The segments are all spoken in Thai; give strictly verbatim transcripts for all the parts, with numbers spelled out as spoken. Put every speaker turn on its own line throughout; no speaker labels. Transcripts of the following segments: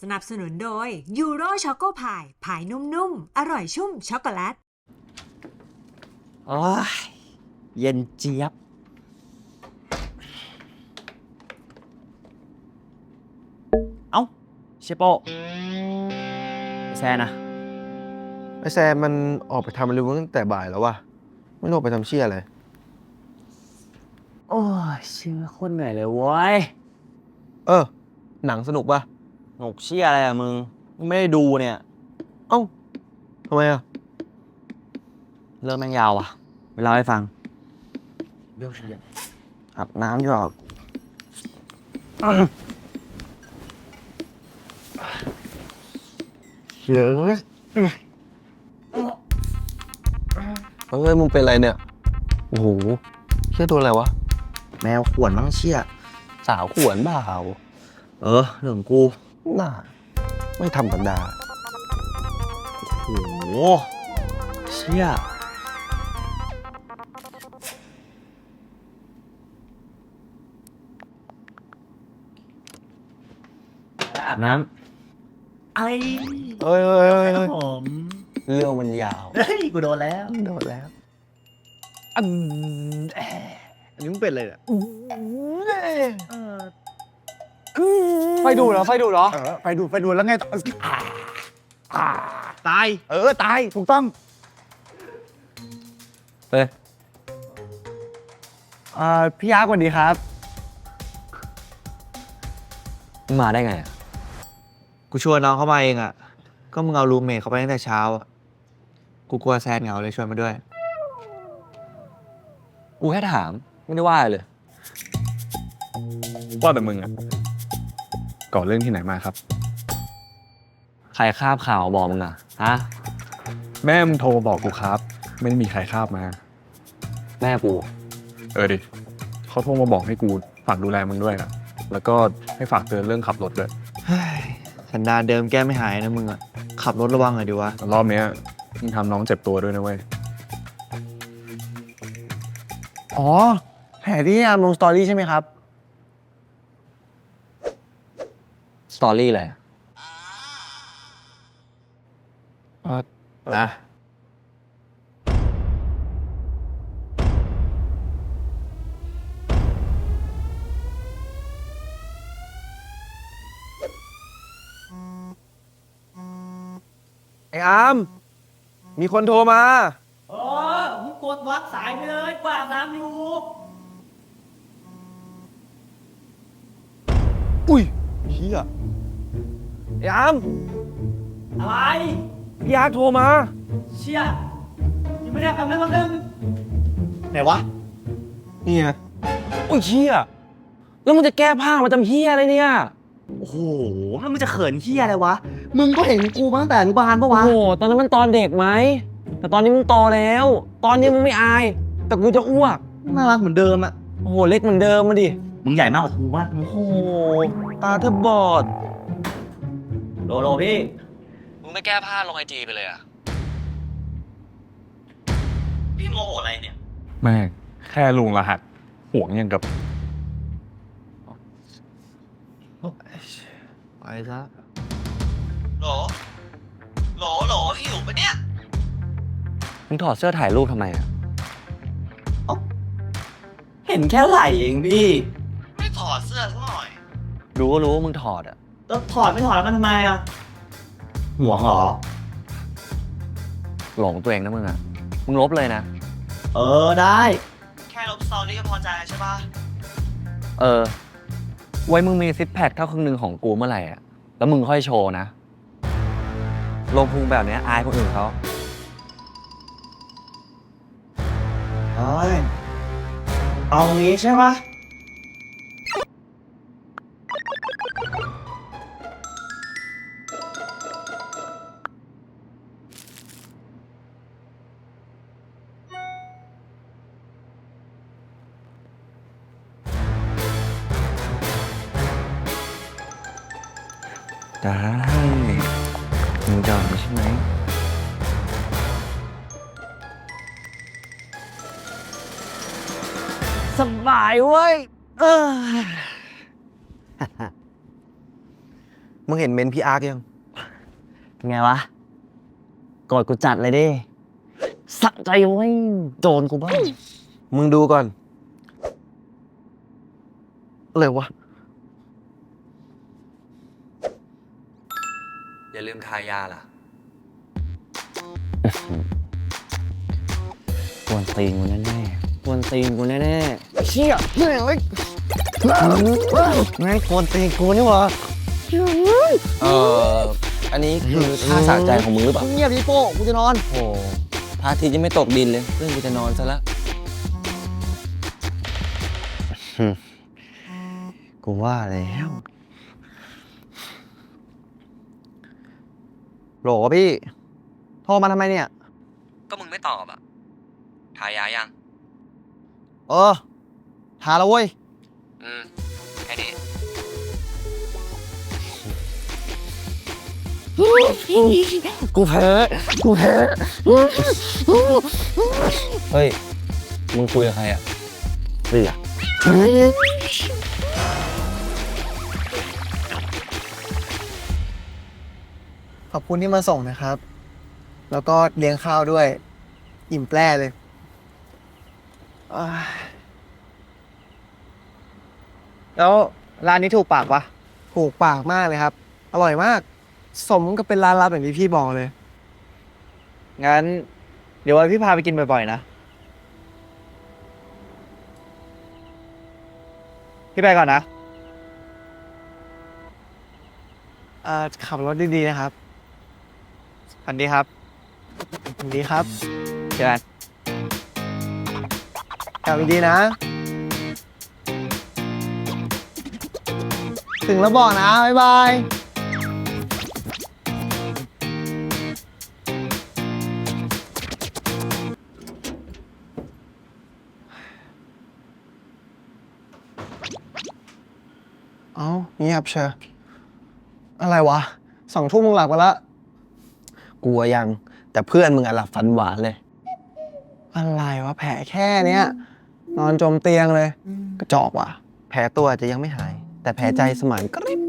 สนับสนุนโดยยูโรช็อกโกพายพายนุ่มๆ อร่อยชุ่มช็อกโกแลต
โอ้ยเย็นเจี๊ยบเอ้าเชโปแซนนะ
ไอแซมมันออกไปทำอะไรตั้งแต่บ่ายแล้ววะไม่รู้ออกไปทำเชี่ยอะไร
โอ้ยเชื่อคนเหนื่อยเลยเว้ย
เออหนังสนุกปะ
หนกเชี่ยอะไรอะมึงมึงไม่ได้ดูเนี่ย
เอ้าทำไมอะ
เรื่องแม่งยาวว่ะเวลาให้ฟังเรื่องเชี่ยอาบน้ำอยู่หรอก
เยอะเฮ้ยมึงเป็นอะไรเนี่ยโอ้โหเชี่ยตัวอะไรวะ
แมวข่วนมั้งเชี่ย
สาวขวนเปล่า
เออเรื่องกู
น่าไม่ธรรมดา
โอ้โหเชี่ยอาบน้ำไอ้
เฮ้ยเฮ้ยเฮ้ย
ผม
เรื่องมันยาว
เฮ้ยกูโดนแล้ว
โดนแล้วอันอันนี้มึงเป็นอะไรเนี่ย
ไฟดูดเหรอไฟดูดเหรอเออไฟดูดไฟดูดแล้วไงต่อตายเออตายถูกต้อง
เฮ้ย
อ่าพี่ยักษ์สวัสดีครับ
มาได้ไงอ่ะ
กูชวนน้องเข้ามาเองอ่ะก็มึงเอารูมเมทเขาไปตั้งแต่เช้าอ่ะกูกลัวแซนเหงาเลยชวนมาด้วย
กูแค่ถามไม่ได้ว่าเลย
ว่าแต่มึงอะก่อเรื่องที่ไหนมาครับ
ใครคาบข่าวบอกมึงอ่ะฮะ
แม่มึงโทรบอกกูครับไม่ได้มีใครคาบมา
แม่กู
เออดิเขาโทรมาบอกให้กูฝากดูแลมึงด้วยนะแล้วก็ให้ฝากเตือนเรื่องขับรถด้วย
สันดานเดิมแก้ไม่หายนะมึงอ่ะขับรถระวังหน่อยดิวะ
รอบเนี้ยมึงทำน้องเจ็บตัวด้วยนะเว้ย
อ๋อแผลที่อาร์มลงสตอรี่ใช่ไหมครับ
สตอรี่อะไร
นะ ไอ้อามมีคนโทรมา
โอ้มึงกดวัดสายไปเลยกว่าน้ำอยู่
อุ้ยเฮียไอ้อาม
อะไร
พี่ยักษ์โทรมา
เชี่ยยังไม่ได้ทำอะไรบ้างนึงไหนวะ
นี่ไง
อุ้ยเฮียแล้วมึงจะแก้ผ้ามาจำเฮียอะไรเนี่ย
โอ้โหแล้วมึงจะเขินเชี่ยอะไรวะมึงก็เห็นกูมาตั้งแต่อนุบาลปะวะ
โอ้โหตอนนั้นมันตอนเด็กไหมแต่ตอนนี้มึงโตแล้ว ตอนนี้มึงไม่อาย แต่กูจะอ้วก
น่ารักเหมือนเดิมอะ
โอ้โหเล็กเหมือนเดิมมาดิ
มึงใหญ่มากกว่ากูวะ
โอ้โหตาเธอบอด
โลโลพี่
มึงไม่แก้ผ้าลงไอจีไปเลยอะ
พี่โมโหอะไรเนี่ย
แม่งแค่ลุงรหัสห่วงยังกับ
ไปซะ
โหลโหลโหลพี่อยู่ปะเนี่ย
มึงถอดเสื้อถ่ายรูปทำไมอะ
เห็นแค่ไหล่เองพี่ไม่ถอดเสื้อสักหน่อย
รู้ก็รู้ว่ามึงถอดอะ
แล้วถอดไม่ถอดแล้วมันทำไมอะห่วงเหรอ
หลงตัวเองนะมึงอะมึงลบเลยนะ
เออได้แค่ลบสตอรี่ก็พอใจใช่ปะ
เออไว้มึงมีซิปแพคเท่าครึ่งหนึ่งของกูเมื่อไหร่อะแล้วมึงค่อยโชว์นะลงพุงแบบนี้อายคนอื่นเขา
เฮ้ยเอางี้ใช่ปะ
ได้มึงจะเอาใช่ไหม สบายเว้ยเออ
มึงเห็นเมนพี่อาร์คยัง
เป็นไงวะกดกูจัดเลยดิสะใจเว้ยโดนกูบ้าง
มึงดูก่อน อะไรวะ
อย่าลืมทายาล่ะ
กวนตีนกูแน่ๆกวนตีนกูแน่ๆ
เชี่ยแม่งเลย
แม่งกวนตีนกูนี่หวะ
เอออันนี้คือท่าสะใจของมึงหรือเปล่า
เงียบดิโป้กูจะนอน
โอ้พระอาทิตย์ยังไม่ตกดินเลยเพื่อนกูจะนอนซะแล้ว
กูว่าแล้ว
โหลพี่ โทรมาทำไมเนี่ย
ก็มึงไม่ตอบอ่ะ ทายายัง
เออหาแล้วเว้ย
อืม แค่นี้
กูแพ้กูแพ้
เฮ้ย มึงคุยกับใครอ่ะ
เสือ
ขอบคุณที่มาส่งนะครับ แล้วก็เลี้ยงข้าวด้วย อิ่มแปร่เลยอ่า
แล้วร้านนี้ถูกปากปะ
ถูกปากมากเลยครับ อร่อยมาก สมกับเป็นร้านลับอย่างที่พี่บอกเลย
งั้น เดี๋ยวไว้พี่พาไปกินบ่อยๆนะ พี่ไปก่อนนะ
เอ่อขับรถดีๆนะครับ
สวัสดีครับ
สวัสดีครับ
เจอกัน
ขับดีๆนะ ถึงแล้วบอกนะ บ๊ายบาย เอ้าเงียบเชียวอะไรวะ สองทุ่มมึงหลับกันละ
กลัวยัง แต่เพื่อนมึงอะหลับฝันหวานเลย
อะไรวะ แผลแค่เนี้ย นอนจมเตียงเลย กระจอกว่ะ
แผลตัวอาจจะยังไม่หาย แต่แผลใจสมานกริบ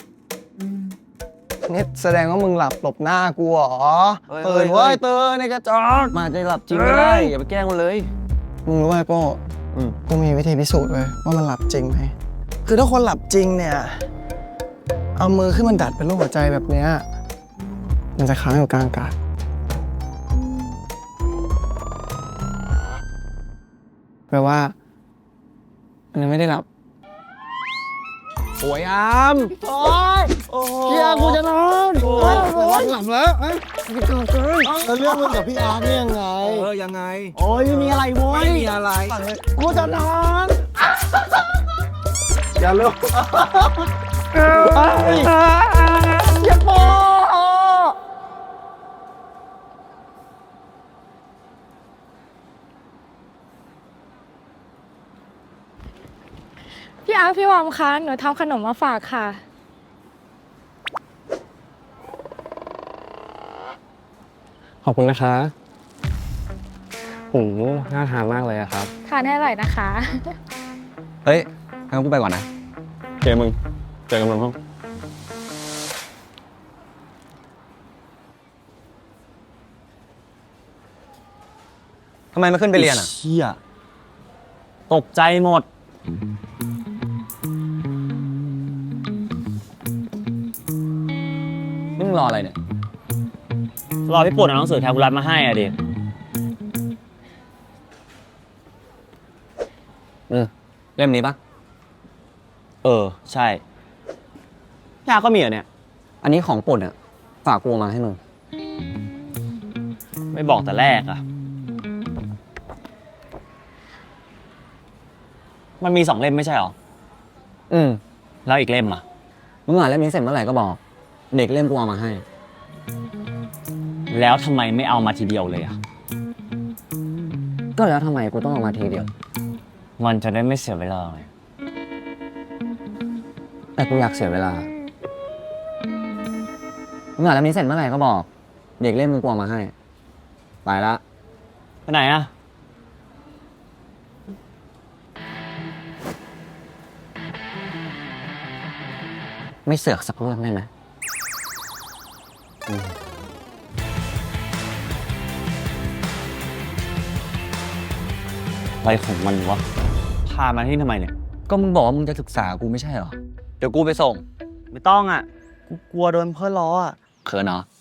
นี่แสดงว่ามึงหลับหลบหน้ากูเหรอ
เฮ้ย
ตื่น
เฮ้
เว้
ย
ยตื่นในกระจอก
มาจะหลับจริงไม่ได้ อย่าไปแกล้งมันเลย
มึงรู้ไหมโป้
อืม
กูมีวิธีพิสูจน์เลยว่ามันหลับจริงไหม คือถ้าคนหลับจริงเนี่ย เอามือขึ้นมันดัดเป็นรูปหัวใจแบบเนี้ย มันจะค้างอยู่กลางอากาศ แปลว่า มันยังไม่ได้หลับ
โอ้ยอาม
โอ๊ยเฮียกูจะนอนโอ๊ยโอ๊ยหลับแล้วเอ้ยไม่กล้าเกินแล้วเรื่องมึงกับพี่อาร์ตเนี่ยยังไง
เออ ยังไง
โอ้ยไม่มีอะไรโว้ย
ไม่มีอะไร
กูจะนอน อย่าลุกอย่าโป
พี่อาร์ตพี่วอมคะหนูทำขนมมาฝากค่ะ
ขอบคุณนะคะโอ้โหน่าทานมากเลยอะครับ
ทานให้อร่อยนะคะ
เฮ้ยงั้นกูไปก่อนนะ
เจมึง เจอกันบนห้อง
ทำไมไม่ขึ้นไปเรียนอ่ะ
เชี่ยตกใจหมด
นี่มึงรออะไรเนี่ย
รอพี่ปุ่นเอาหนังสือแทนกุรัตมาให้อ่ะดิ
เออ เล่มนี้ปะ
เออ ใช่พี่อาร์ตก็มีเหรอเนี่ย
อันนี้ของป่นอ่ะ ฝากกูเอามาให้มึง
ไม่บอกแต่แรกอ่ะ มันมีสองเล่มไม่ใช่หรอ
อืม
แล้วอีกเล่มอ่ะ
มึงอ่านเล่มนี้เสร็จเมื่อไหร่ก็บอก เด็กเล่มกูเอามาให้
แล้วทำไมไม่เอามาทีเดียวเลยอ่ะ
ก็แล้วทำไมกูต้องเอามาทีเดียว
มันจะได้ไม่เสียเวลาไง
แต่กูอยากเสียเวลา มึงอ่านเล่มนี้เสร็จเมื่อไหร่ก็บอก เด็กเล่มมึงกูเอามาให้ ไปละ
ไปไหนอ่ะ
ไม่เสือกสักเรื่องได้ไหม
อะไรของมันวะ พามาที่ทำไมเนี่ย
ก็มึงบอกว่ามึงจะศึกษากูไม่ใช่เหรอ เดี๋ยวกูไปส่ง
ไม่ต้องอ่ะ กูกลัวโดนเพื่อนล้ออ่ะ
เขินเหรอ